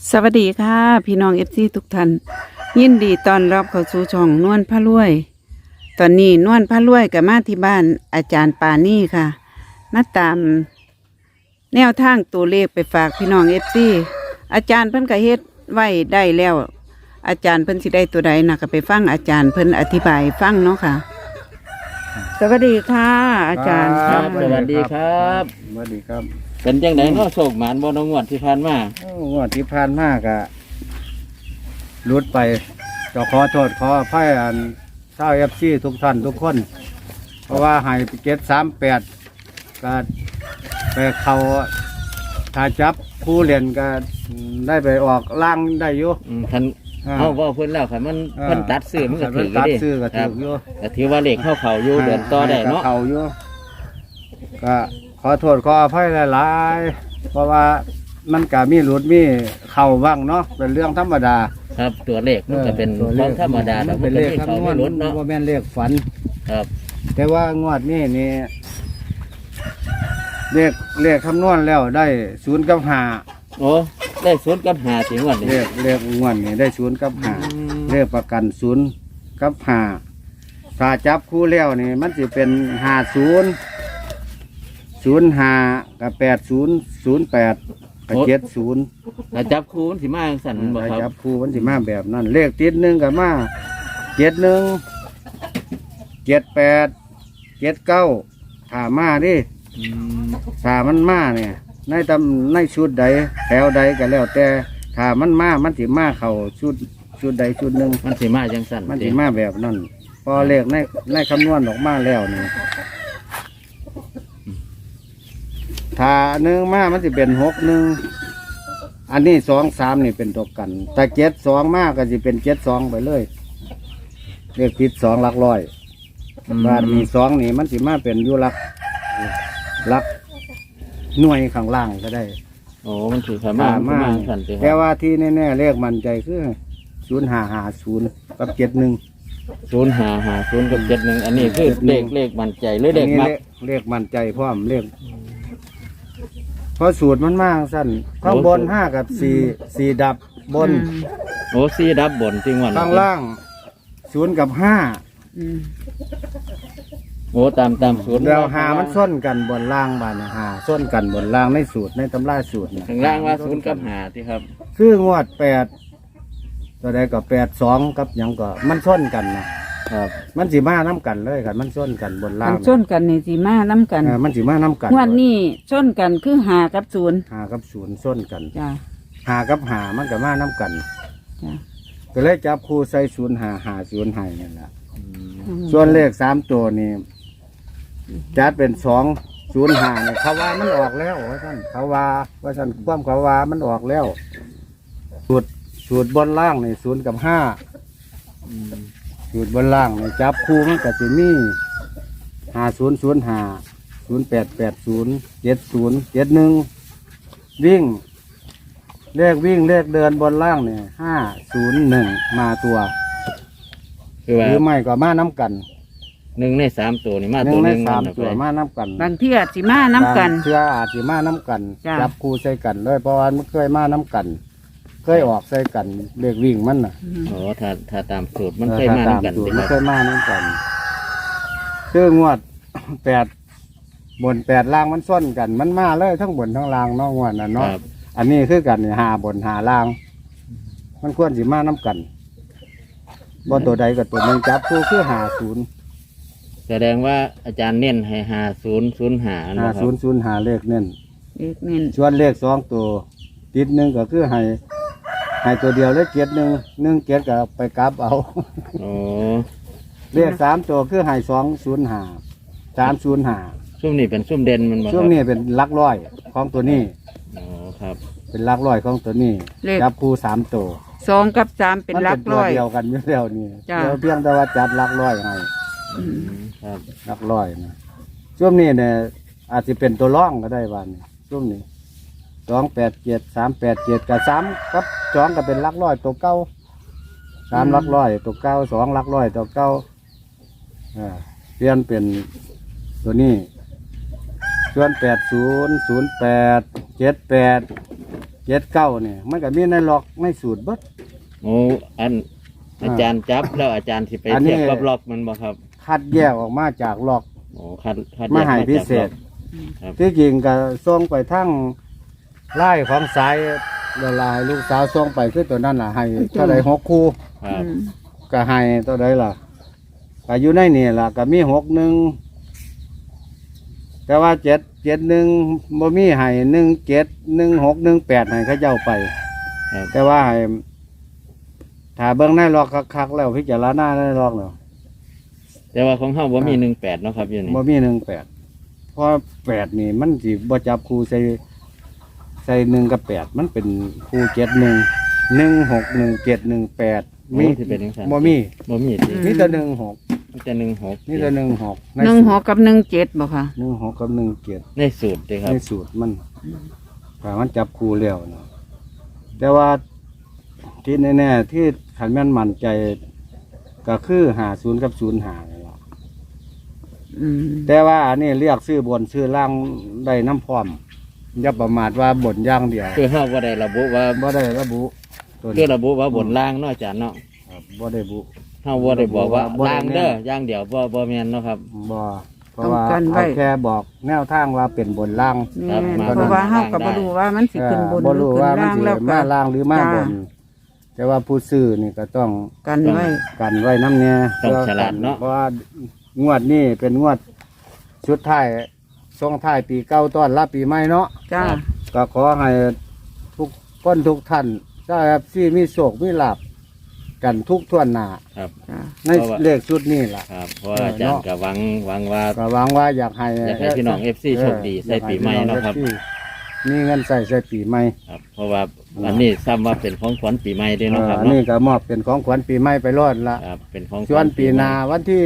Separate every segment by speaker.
Speaker 1: สวัสดีค่ะพี่น้องเอฟซีทุกท่านยินดีต้อนรับเข้าสู่ช่องนวลพระรวย ตอนนี้นวลพระรวยกับมาที่บ้านอาจารย์ปานี่ค่ะมาตามแนวทางตัวเลขไปฝากพี่น้องเอฟซีอาจารย์เพิ่นก็เฮ็ดไว้ได้แล้ว อาจารย์เพิ่นสิได้ตัวใดนะก็ไปฟังอาจารย์เพิ่นอธิบายฟังเนาะค่ะ สวัสดีค่ะ อาจารย์
Speaker 2: ค
Speaker 1: ค่ะ
Speaker 2: รับสวัสดีครับ
Speaker 3: สวัสดีครับ
Speaker 2: เป็นจังไดเนาะโศกหมานบ่น้องงวดที่ผ่านมา
Speaker 3: งวดที่ผ่านมากะรุดไปก็ขอโทษขออภัยอันเศร้าเอฟซีทุกท่านทุกคน เพราะว่าให้เก็ต38ก็ไปเขาถ้าจับผู้เล่นก็ได้ไปออกล่างได้อยู่
Speaker 2: คันเฮาเว้าเพิ่นแล้วคันมันเพิ่นตัดซื้อมันก็ถือ
Speaker 3: ตัด
Speaker 2: เด้
Speaker 3: ซื้อก็
Speaker 2: ค
Speaker 3: ถื
Speaker 2: รับ
Speaker 3: ออยู่
Speaker 2: ก็ถือว่าเลขเข้าอยู่เดินต่อได้เนาะ
Speaker 3: เขาอยู่ก็ขอโทษขออภัยหลายๆเพราะว่ามันก็มีหลุดมีเข่าบ้างเนาะเป็นเรื่องธรรมดา
Speaker 2: ครับตัวเลขมันก็เป็น
Speaker 3: ตัว
Speaker 2: ของธรรมดาแต่
Speaker 3: น
Speaker 2: มั
Speaker 3: เป็น น
Speaker 2: ก็
Speaker 3: เลข
Speaker 2: มีเขา
Speaker 3: คำนว
Speaker 2: ไม่
Speaker 3: ณ
Speaker 2: ลดเนาะ
Speaker 3: ว่าแม่นเลขฝัน
Speaker 2: ครับ
Speaker 3: แต่ว่างวดนี้นี่เลขคำนวณแล้วได้0 กับ
Speaker 2: โอ้ได้0 กับ 5สิงวด
Speaker 3: 5
Speaker 2: นี้
Speaker 3: เลขงวดนี้ได้0 กับ 5เลขประกัน0 กับ 5ถ้าจับคู่แล้วนี่มันจะเป็น50 05กับ80 08กับ70
Speaker 2: ถ้าจับคู่มันสิมาจังซั่นบ่
Speaker 3: ถ้า
Speaker 2: ค
Speaker 3: จั
Speaker 2: รับบ
Speaker 3: คู่มันสิมาแบบนั้นเลขติด1กับมา71 78 79ถ้ามาดิ
Speaker 2: อืม
Speaker 3: ถ้ามันมาเนี่ยในชุดใดแถวใดก็แล้วแต่ถ้ามันมามันสิมาเข้าชุดใดชุดหนึ่ง
Speaker 2: มันสิมาจังซั่น
Speaker 3: มันสิมาแบบนั้นพอเลขในคำนวณออกมาแล้วนี่ถ้า1มามันสิเป็น61อันนี้2 3นี่เป็นตัวกันแต่72มาก็สิเป็น72ไปเลยเลขผิด2หลักร้อยบาทมี2นี่มันสิมาเป็นอยู่หลักหน่วยข้างล่างก็ได้
Speaker 2: โอ้มันสิเข้ามามาจังซั่นติค
Speaker 3: แต่
Speaker 2: รับ
Speaker 3: ว่าที่แน่ๆเลขมั่นใจคือ0550กับ71
Speaker 2: 0550กับ71อันนี้คือเลขมั่นใจหรือเลขมัก
Speaker 3: เลขมั่นใจพร้อมเลขเพราะสูตรมันมากสั้นข้างบน5กับ4ดับบน
Speaker 2: โอ้ซีดับบนจริงวัน
Speaker 3: ข้างล่าง0กับ5
Speaker 1: อืม
Speaker 2: โอ้ตามศูนย์
Speaker 3: แล้ว5มันส้นกันบนล่างบาน5ส้นกันบนล่างในสูตรในตำราสูตร
Speaker 2: ข้างล่างว่า0กับ5ที่ครับ
Speaker 3: คืองวด8ตัวใดก็82กับหยังก็มันส้นกันนะครับ มันสิมาน้ำกันเลยครับมันส้นกันบนล่า
Speaker 1: มั
Speaker 3: ง
Speaker 1: นชนกันนี่สิมาน้ำกัน
Speaker 3: มันสิมาน้ำกัน
Speaker 1: งวดนี้ชนกันคือหากับศูนย์
Speaker 3: 5กับ0ส้นกัน
Speaker 1: จ้า
Speaker 3: 5กับ5มันก็มาน้ำกัน
Speaker 1: จ้า
Speaker 3: ก็เลยจับคู่ใส่0550ให้นั่นแหละส่วนเลข3ตัวนี่จัดเป็น205เนี่ยเขาว่ามันออกแล้วว่าท่านเขาว่าความเขาว่ามันออกแล้วสูตรบนล่างนี่0กับ5สูตรบนล่างนี่จับคู่มันก็จะมี5005 0880 70 71วิ่งเลขเดินบนล่างเนี่ย501มาตัว
Speaker 2: คือว่า
Speaker 3: หรือไม่ก็มาน้ำกัน
Speaker 2: 1 ใน 3ตัวนี่มา
Speaker 3: ห
Speaker 2: ตั
Speaker 3: นึ่
Speaker 2: ว
Speaker 3: ง
Speaker 2: ห
Speaker 3: ใน
Speaker 2: นึง
Speaker 3: สาม
Speaker 2: นั่น
Speaker 3: ตัว
Speaker 2: ไป
Speaker 3: มาน้ำกัน
Speaker 1: บางที่อาจสิมาน้ำกัน
Speaker 3: เชื่ออาจจะมาน้ำกัน
Speaker 1: จ้ะ
Speaker 3: จับคู่ใส่กันเลยเพราะว่ามันเคยมาน้ำกัน เคยออกใส่กันเลขวิ่งมันน่ะ
Speaker 2: โอ้ถ้าตามสูตรมันเคยมา
Speaker 3: ต
Speaker 2: นำกัน
Speaker 3: สูต
Speaker 2: สิ
Speaker 3: รมัน
Speaker 2: ค
Speaker 3: เครับ ยมาน้ำกันคืองวด 8 บน 8ล่างมันส้นกัน มันมาเลยทั้งบนทั้งล่างเนาะงวดน่ะ
Speaker 2: ค
Speaker 3: เนาะ
Speaker 2: รับ
Speaker 3: อันนี้คือกันนี่5 บน 5 ล่าง มันควรสิมาน้ำกันบ่ตัวใดกับตัวหนึงจับคู่คือ50
Speaker 2: แสดงว่าอาจารย์เน้นให้5005นะครับ
Speaker 3: 5005เลขเน้น
Speaker 1: เลขเน้น
Speaker 3: ส่วนเลข2ตัวติด1ก็คือให้ตัวเดียวเลข1 1 7ก็ไปกลับเอา
Speaker 2: โอ้
Speaker 3: เลข3ตัวคือให้205 305
Speaker 2: ซุ่มนี่เป็นซุ่มเด่นมันบ่ครับ
Speaker 3: ช่วงนี้เป็นหลักร้อยของตัวนี้
Speaker 2: โอ้ครับ
Speaker 3: เป็นหลักร้อยของตัวนี้จับคู่3ตัว
Speaker 1: 2กับ3เป็นหลักร้อย
Speaker 3: มันเป็นตัวเดียวกันอยู่แล้วนี่
Speaker 1: จ้ะ
Speaker 3: เดี๋ยวเพียงแต่ว่าจัดหลักร้อยให้
Speaker 1: อืม
Speaker 2: ครับ
Speaker 3: หลักร้อยนะช่วงนี้เนี่ยอาจจะเป็นตัวร่องก็ได้วันนี้ช่วงนี้287 387กับ3กับ2ก็เป็นหลักร้อยตัวเก้า3หลักร้อยตัวเก้า2หลักร้อยตัวเก้าเปลี่ยนเป็นตัวนี้ส่วน80 08 78 เจ็ดเก้าเนี่ยมันก็มีในล็อกในสูตรเบิด
Speaker 2: โอ้อาจารย์จับแล้วอาจารย์สิไป
Speaker 3: อันนี้
Speaker 2: เทียบกับล็อกมันบ่ครับ
Speaker 3: คัดแยกออกมาจากล็อก
Speaker 2: โอ้คัด
Speaker 3: มาให้
Speaker 2: แยก
Speaker 3: พิ
Speaker 2: จาก
Speaker 3: เศ
Speaker 2: ล็อ
Speaker 3: ษ
Speaker 2: ก ครับ
Speaker 3: ที่จริงก็ส่งไปทั้งไล่ของสายละลายลูกสาวส่งไปคือตัวนั้นล่ะให้เท่าใด6 คู่
Speaker 2: ครับ
Speaker 3: ก็ให้ตัวใดล่ะก็อยู่ในนี่ล่ะก็มี61แต่ว่า771บ่มีให้17 16 18ให้เขาเจ้าไป
Speaker 2: ครับ
Speaker 3: แต่ว่าให้ถ้าเบิ่งในล็อกคักๆแล้วพิจารณาในล็อกแล้ว
Speaker 2: แต่ว่าของเฮาบ่มี18เนาะครับอยู่นี่
Speaker 3: บ่มี18เพราะ8นี่มันสิบ่จับคู่ใส่1กับ8มันเป็นคู่71 16 17 18
Speaker 2: มีที่เป็นจังซั่น
Speaker 3: บ่มี
Speaker 2: บ่มีสิ
Speaker 3: มีแต่16
Speaker 2: มีแต่16
Speaker 3: มีแต่16
Speaker 1: หนึ่งหกกับ17บ่ค่ะ
Speaker 3: 16กับ17
Speaker 2: ในสูตรเด้ครับ
Speaker 3: ในสูตรมันถ้ามันจับคู่แล้วนะแต่ว่าที่แน่ๆที่ขันแม่นมั่นใจก็คือ50กับ05นี่ล่ะ
Speaker 1: อืม
Speaker 3: แต่ว่าอันนี้เรียกซื้อบนซื้อล่างได้น้ำพร้อมอย่าประมาทว่าบนอย่างเดียว
Speaker 2: คือเฮาบ่ได้ระบุว่า
Speaker 3: บ่ได้ระบุตัว
Speaker 2: คือ
Speaker 3: นี้
Speaker 2: ระบุว่าบนล่างเนาะอาจารย์เนาะ
Speaker 3: ครับบ่ได้บุ
Speaker 2: เฮาบ่ได้บอกว่า
Speaker 3: บ่ได้
Speaker 2: ล่างเด้อ
Speaker 3: แน่
Speaker 2: อย่างเดียวบ่แม่นเนาะครับ
Speaker 3: บ่เพราะว่าเอาแค่บอกแนวทางว่าเป็นบนล่าง
Speaker 1: แม่น
Speaker 2: ครับ
Speaker 1: เพราะว่าเฮาก็บ่รู้ว่ามันสิขึ้นบนห
Speaker 3: บ่
Speaker 1: รือ
Speaker 3: รู้
Speaker 1: ขึ้น
Speaker 3: ว่ามัน
Speaker 1: ล่าง
Speaker 3: สิ
Speaker 1: แล้วก็
Speaker 3: มาล่างหรือมาบน
Speaker 1: จ้
Speaker 3: แต่ว่าผู้ซื้อนี่ก็ต้อง
Speaker 1: กันไว้
Speaker 3: กันไว้น้ำเนี่ย
Speaker 2: ต้องฉลาดเนาะ
Speaker 3: เพราะว่างวดนี้เป็นงวดชุดท้ายส่งท้ายปีเก่าต้อนรับปีใหม่เนาะ
Speaker 1: จ้า
Speaker 3: ก็ขอให้ทุกคนทุกท่านเจ้าครับที่มีโศกมีลาบกันทุกท่วนหน้า
Speaker 2: ครับ
Speaker 1: จ้า
Speaker 3: ในเลขชุดนี้ล่ะ
Speaker 2: ครับเพราะว่าอาจารย์ก็หวังว่า
Speaker 3: ก็หวังว่าอยากให้
Speaker 2: อยากให้พี่น้อง FC โชคดีใส่ปีใหม่เนาะครับ
Speaker 3: อยกให้พี่น้อง FC มีเงินใส่ปีใหม่
Speaker 2: ครับเพราะว่าอันนี้ซ้ำว่าเป็นของขวัญปีใหม่เด้วยเนาะครับ
Speaker 3: อัน
Speaker 2: เนาะ
Speaker 3: นี้ก็มอบเป็นของขวัญปีใหม่ไปรอดละ
Speaker 2: ครับเป็นของข
Speaker 3: ส่ว
Speaker 2: วัน ญ
Speaker 3: ปีหนาวันที่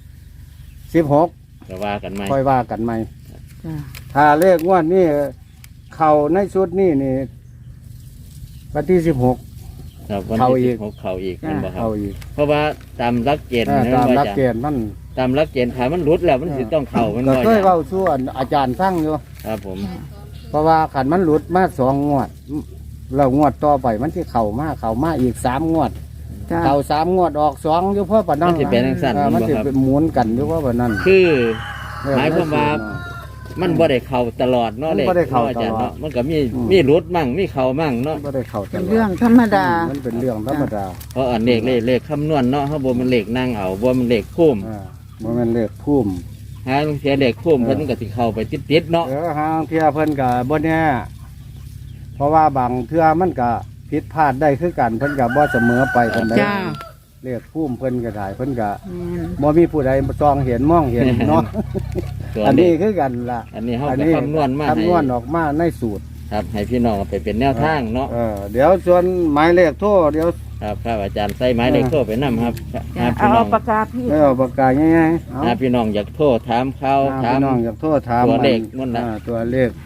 Speaker 3: 16
Speaker 2: ก็ว่ากันไหม
Speaker 3: ค่อยว่ากันใหม่
Speaker 1: จ้า
Speaker 3: ถ้าเลขงวดนี้เข้าในชุดนี้นี่วันที่16
Speaker 2: ครับวัน
Speaker 3: เข้าอี
Speaker 2: ที่
Speaker 3: ก
Speaker 2: 16เข้าอีกแม่นบ่ครับ
Speaker 3: เข้าอีก
Speaker 2: เพราะว่าตามหลักเกณฑ์นะ
Speaker 3: ตาม
Speaker 2: ว่า
Speaker 3: หลัก
Speaker 2: อาจาร
Speaker 3: เก
Speaker 2: ย์
Speaker 3: ณฑ์มัน
Speaker 2: ตามหลักเกณฑ์ถ้ามันหลุดแล้วมันสิต้องเข้ามัน
Speaker 3: ก็
Speaker 2: บ่อา
Speaker 3: เคย
Speaker 2: จารย์
Speaker 3: เว้าส่วนอาจารย์ฟังอยู่
Speaker 2: ครับผม
Speaker 3: เพราะว่าขันมันหลุดมา2 งวดแล้วงวดต่อไปมันที่เข้ามาอีก3 งวด
Speaker 1: จ้า
Speaker 3: เข้า3 งวดออก2อยู่เพราะปานนั้น
Speaker 2: มันสิเป็นจังซั่น
Speaker 3: มัน
Speaker 2: บ่
Speaker 3: สิ
Speaker 2: ครับ
Speaker 3: เป็นหมุนกันอยู่เพราะปานนั้น
Speaker 2: คือ หมายความว่า มันบ่ได้เข้าตลอดเนาะ
Speaker 3: มัน
Speaker 2: เลข
Speaker 3: บ่ได้เข้า
Speaker 2: เนาะอาจารย์
Speaker 3: ตลอด
Speaker 2: เนาะมันก็มีหลุดมั่งมีเข้ามั่งเนาะ
Speaker 3: บ่ได้เข้าตล
Speaker 1: เป็น
Speaker 3: อด
Speaker 1: เรื่องธรรมดา
Speaker 3: มันเป็นเรื่องธรรมดา
Speaker 2: เพราะอันเลขคำนวณเนาะเฮาบ่มันเลขนั่งเอาบ่มันเลขพุ่ม
Speaker 3: บ่แม่นเลขพุ่ม
Speaker 2: หาเสียเลขพุ่มเพิ่นก็สิเข้าไปติดๆเนาะ
Speaker 3: หางเทื่อเพิ่นก็บ่แน่เพราะว่าบางเทื่อมันก็ผิดพลาดได้คือกันเพิ่นก็บ่เสมอไปปานใด
Speaker 1: จ้า
Speaker 3: เลขพุ่มเพิ่นก็ได้เพิ่นก็
Speaker 1: แม่น
Speaker 3: บ่มีผู้ใดซองเห็นมองเห็นเนาะ
Speaker 2: ตัว
Speaker 3: อัน
Speaker 2: เล
Speaker 3: นี้
Speaker 2: ข
Speaker 3: คือกันล่ะ
Speaker 2: อันนี้เฮาก็คำนวณมาให้
Speaker 3: คำนวณออกมาในสูตร
Speaker 2: ครับให้พี่น้องเอาไปเป็นแนวทางเนาะ
Speaker 3: เดี๋ยวส่วนหมายเลขโทรเดี๋ยว
Speaker 2: ครับครับอาจารย์ใส่ไม้เลขโทรไปนํครับ
Speaker 1: จ้า
Speaker 2: หา
Speaker 1: เอา
Speaker 2: พี่น้อง
Speaker 1: ปากกาพี่
Speaker 3: เอาปากกาง่ายๆเอา
Speaker 2: หาพี่น้องอยากโทรถามข่าวถาม
Speaker 3: พี่น้องอยากโทรถาม
Speaker 2: ตัวเลขนั่นน่ะ
Speaker 3: ตัวเลข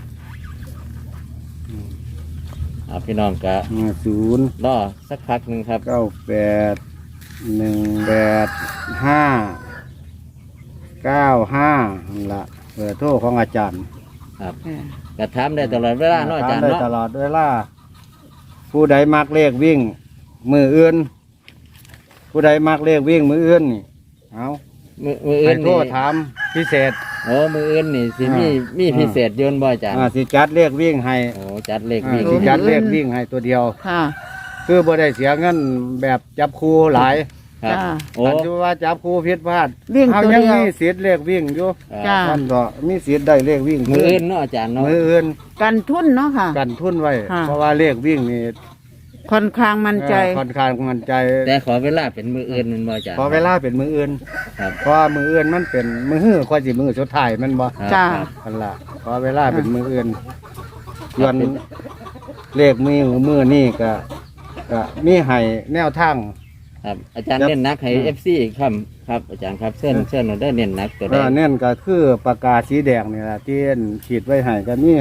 Speaker 2: พี่น้องก็
Speaker 3: 0
Speaker 2: รอสักพักหนึงครับ
Speaker 3: 98 185 นั่นละเบอร์โทรของอาจารย์
Speaker 2: ครับ
Speaker 1: เออ
Speaker 2: ก็ถามได้ตลอดเวลาเนาะอาจารย์
Speaker 3: ได้
Speaker 2: เนาะ
Speaker 3: ตลอดเวลาผู้ใดมักเลขวิ่ง มืออื่น ผู้ใดมักเลขวิ่งมืออื่นนี่เอา
Speaker 2: มืออื่
Speaker 3: ให้
Speaker 2: น
Speaker 3: โทร
Speaker 2: นี่
Speaker 3: ถามพิเศษ
Speaker 2: โอ้มืออื่นนี่สิมี
Speaker 3: อ่ามี
Speaker 2: พิเศษโยนบ่อาจารย์
Speaker 3: สิจัดเลขวิ่งให้
Speaker 2: โอ้จัดเลขวิ่ง
Speaker 3: สิจัดเลขวิ่งให้ตัวเดียว
Speaker 1: ค่ะ
Speaker 3: คือบ่ได้เสียเงินแบบจับคู่หลาย
Speaker 2: ครับ
Speaker 1: จ้า
Speaker 2: โอ้
Speaker 3: อันที่ว่าจับคู่ผิดพลาด
Speaker 1: วิ่ง
Speaker 3: เอา
Speaker 1: ตัว
Speaker 3: ยัง
Speaker 1: เดียว
Speaker 3: มีสิทธิ์เลขวิ่งอยู่
Speaker 1: จ้า
Speaker 3: ท่านก็มีสิทธิ์ได้เลขวิ่ง
Speaker 2: มืออื่นเนาะอาจารย์เนาะ
Speaker 3: มืออื่น
Speaker 1: กันทุนเนาะค่ะ
Speaker 3: กันทุนไว้
Speaker 1: ค่ะ
Speaker 3: เพราะว่าเลขวิ่งนี่
Speaker 1: ค่อนข้างมั่นใจ
Speaker 3: ค่อนข้างมั่นใจ
Speaker 2: แต่ขอเวลาเป็นมืออื่นแมันบ่อาจารย์
Speaker 3: พอเวลาเป็นมืออื่น
Speaker 2: ครับ
Speaker 3: เพราะว่ามืออื่นมันเป็นมือหื้อค่อยสิมือสุดท้ายแมันบ่
Speaker 2: ครับ
Speaker 1: จ้า
Speaker 2: ครับ
Speaker 3: อันละพอเวลาเป็นมืออื่นส่วนเลขมือนี่ก็มีให้แนวทาง
Speaker 2: ครับอาจารย์เน้นหนักให้ FC ครับครับอาจารย์ครับเส้นเราได้เน้นหนักตัวใด
Speaker 3: เน้นก็คือปากกาสีแดงนี่แหละที่ขีดไว้ให้ก็มี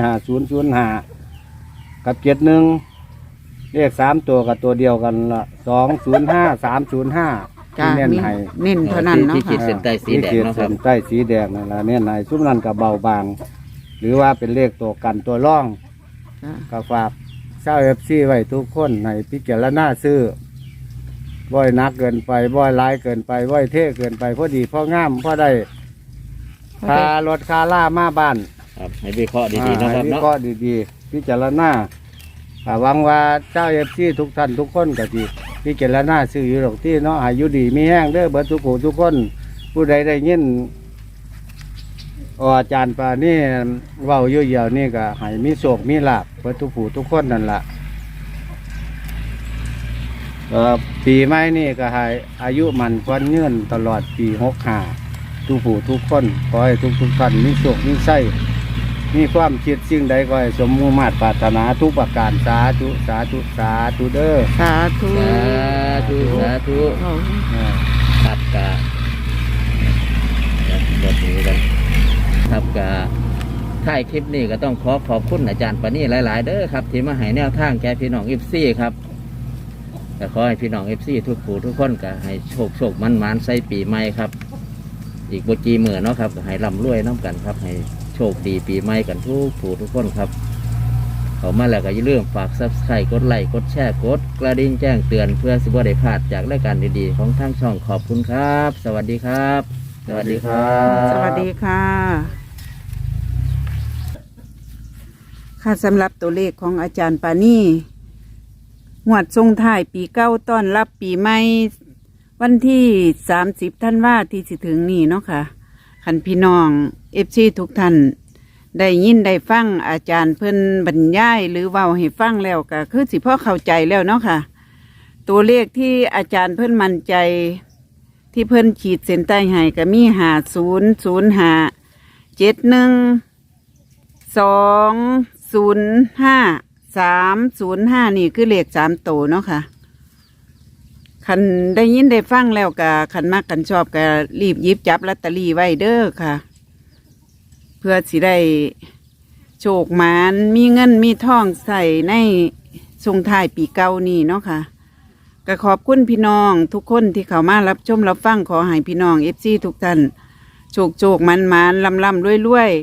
Speaker 3: 5005กับ71เลข3ตัวกับตัวเดียวกันละ205 305
Speaker 1: จ้า
Speaker 3: ที่เน้น
Speaker 1: มี
Speaker 3: ให้
Speaker 1: เน้นเท่านั้นเนาะ
Speaker 2: ที่ขีด
Speaker 1: ค่ะ
Speaker 2: เส้นใต้สีแดง
Speaker 3: ที่ขี
Speaker 2: เนาะค
Speaker 3: เส้
Speaker 2: รับ
Speaker 3: นใต้สีแดงนั่นละเน้นให้ซุ้มนั้นกับเบาบาง หรือว่าเป็นเลขตัวกันตัวร่อง
Speaker 1: จ้า
Speaker 3: ก็ฝากใชาวเอฟซีไว้ทุกคนในพิจารณาซื้อบ่อยนักเกินไปบ่อยหลายเกินไปบ่อยเท่เกินไปพอดีพองามพอได้คารถคาล่ามาบ้าน
Speaker 2: ครับให้วิเคราะห์ดีๆเนาะครับ
Speaker 3: วิ
Speaker 2: เนาะ
Speaker 3: เคราะห์ดีๆพิจารณาหวังว่าเจ้าเอฟซีทุกท่านทุกคนก็สิพิจารณาซื้ออยู่หรอกที่เนาะอายุดีมีแห้งเด้อเบิดทุกผู้ทุกคนผู้ใดได้ยินอาจารย์ปานี่เว้าอยู่เหี่ยวนี่ก็ให้มีโชคมีลาภเบิดทุกผู้ทุกคนนั่นล่ะปีใหม่นี่ก็ให้อายุมันควันยืนตลอดปี65ทุกผู้ทุกคนขอให้ทุกท่านมีโชคมีชัยมีความคิดสิ่งใดก็ให้สมมุ่งมาตรปรารถนาทุกประการสาธุสาธุสาธุเด้อ
Speaker 1: สาธุ
Speaker 2: สาธุ
Speaker 1: เอา
Speaker 2: ครับกะบทนี้กันครับกะท้ายคลิปนี้ก็ต้องขอบคุณอาจารย์ปานี่หลายๆเด้อครับที่มาให้แนวทางแก่พี่น้องเอฟซีครับแต่ขอให้พี่น้องเอฟซีทุกผู้ทุกคนก็ให้โชคมันใส่ปีใหม่ครับอีกบจีมือเนาะครับก็ให้ร่ำรวยน้ำกันครับให้โชคดีปีใหม่กันทุกผู้ทุกคนครับเขามาแล้วก็อย่าลืมฝากซับสไครต์กดไลค์กดแชร์กดกระดิ่งแจ้งเตือนเพื่อสิบ่ได้พลาดจากรายการดีๆของทางช่องขอบคุณครับ สวัสดีครับ สวัสดีครับ
Speaker 1: สวัสดีค่ะ ค่ะสำหรับตัวเลขของอาจารย์ปานี่งวดทรงท้ายปีเก้าต้อนรับปีใหม่วันที่30ธันวาที่สิถึงนี่เนาะค่ะคันพี่น้องFCทุกท่านได้ยินได้ฟังอาจารย์เพิ่นบรรยายหรือเว้าให้ฟังแล้วก็คือสิพ่อเข้าใจแล้วเนาะค่ะ ตัวเลขที่อาจารย์เพิ่นมั่นใจ ที่เพิ่นขีดเส้นใต้ให้ก็มี500571205305นี่คือเลข3ตัวเนาะค่ะคันได้ยินได้ฟังแล้วก็คันมักกันชอบก็รีบหยิบจับลอตเตอรี่ไว้เด้อค่ะ เพื่อสิได้โชคหมานมีเงินมีทองใส่ในส่งท้ายปีเก่านี่เนาะค่ะก็ขอบคุณพี่น้องทุกคนที่เข้ามารับชมรับฟังขอให้พี่น้องเอฟซีทุกท่านโชคมันลำรวย